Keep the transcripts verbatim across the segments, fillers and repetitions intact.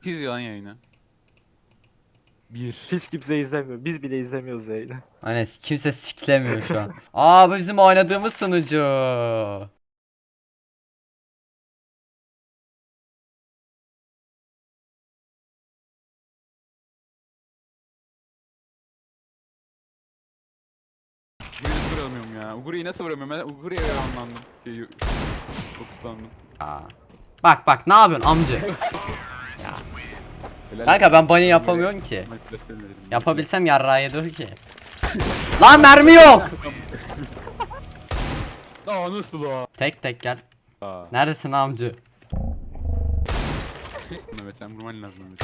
İzliyor lan yayını. Bir. Hiç kimse izlemiyor. Biz bile izlemiyoruz yayını. Hani kimse siklemiyor şu an. Aa bu bizim oynadığımız sunucu. Uguri'yi nasıl vuramıyorum ya? Uguri'yi nasıl vuramıyorum? Ben Uguri'ye anlandım. Şey, fokuslandım. Aa. Bak bak ne yapıyorsun amca? Helal Kanka olsun. ben bunny yapamıyorum ki. Manipülasyon ederim. Yapabilsem yarrağı yedir ki. Lan mermi yok. Aa nasıl o? Tek tek gel. Aa. Neredesin amcı? Mehmet sen vurman lazım Mehmet.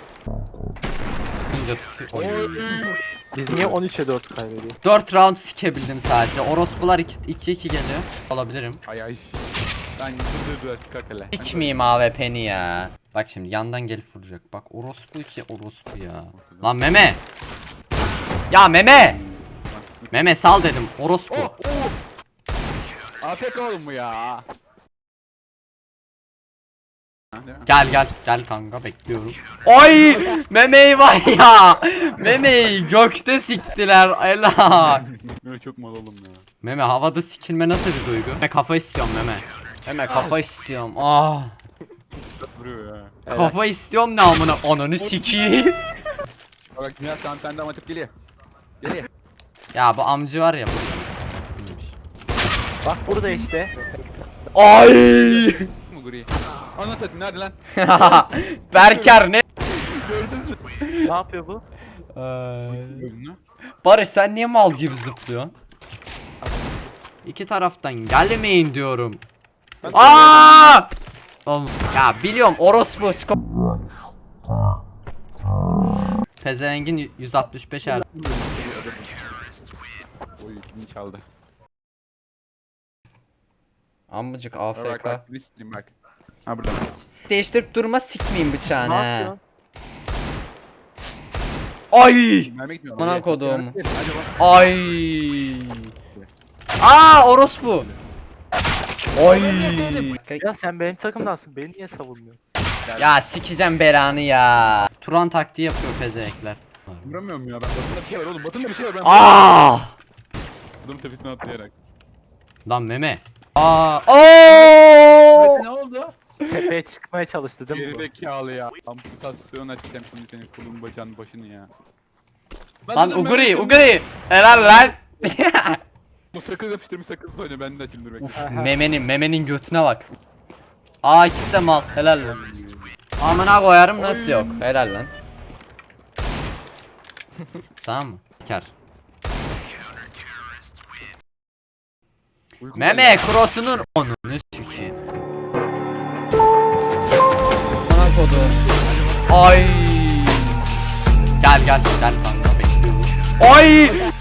Amca tutuyor. Oy. Biz niye on üçe dört kaybediyoruz? dört round sikebildim sadece. Orospular iki iki geliyor. Olabilirim. Ay ay. Ben dur dur dur çıkar hele. Sikmeyeyim A W P'ni ya. Bak şimdi yandan gelip vuracak. Bak orospu iki orospu ya. Lan meme. Ya meme. Meme sal dedim orospu. Oh! Oh! A F K oğlum bu ya. Ha, değil mi? Gel gel gel kanka bekliyorum. Oy memeyi var ya. Memeyi gökte siktiler. Ela. Böyle çok mal oğlum ya. Meme havada sikilme nasıl bir duygu? Meme kafa istiyorum meme. Meme kafa istiyorum. Ah. Vuruyor ya. Kafa istiyorum ne amına ananı sikeyim. Bak Dünya sana bir tane daha atıp geliyor. Geliyor. Ya bu amcı var ya bu. Bak burada işte. Ay. Mu Guri? Ana satayım nerede lan? Berker ne? Gördünüz mü? Ne yapıyor bu? Gördün mü? Barış sen niye mal gibi zıplıyorsun? İki taraftan gelmeyin diyorum. Ben- Aa! Oğlum, ya biliyorum orospu sko- Pezevengin yüz altmış beş er. Oy kimi çaldı. Amcık Bak bak A F K. bak bir sileyim bak. Ha burada. Değiştirip durma sikmeyeyim bıçağını Ne he. yapıyorsun? Ay! Mermi gitmiyor. Bana Hadi, kodum. hadi, hadi bak. Ay! Aa orospu! Ay! Ya sen benim takımdansın. Beni niye savunmuyorsun? Ya sikeceğim belanı ya. Turan taktiği yapıyor pezevekler. Vuramıyorum ya ben. Batında bir şey var oğlum. Batında bir şey var ben. Aa! Adamın tepesine atlayarak. Lan meme. Aa! Oo! Ne oldu? Tepeye çıkmaya çalıştı değil mi bu? Gerizekalı ya. Amputasyon açacağım şimdi senin kolun bacağın başını ya. Lan Uguri, Uguri. Helal lan. Bu sakız yapıştırmış sakız oynuyor ben de açayım dur bekle. Uf, memenin, memenin götüne bak. Aa ikisi de mal. Helal lan. Amına koyarım nasıl yok. Helal lan. Tamam mı? Kar. Uykum Meme geldi. crossunun onu ne sikeyim. Bana kodu. Ay. Gel gel gel kanka bekliyorum. Ay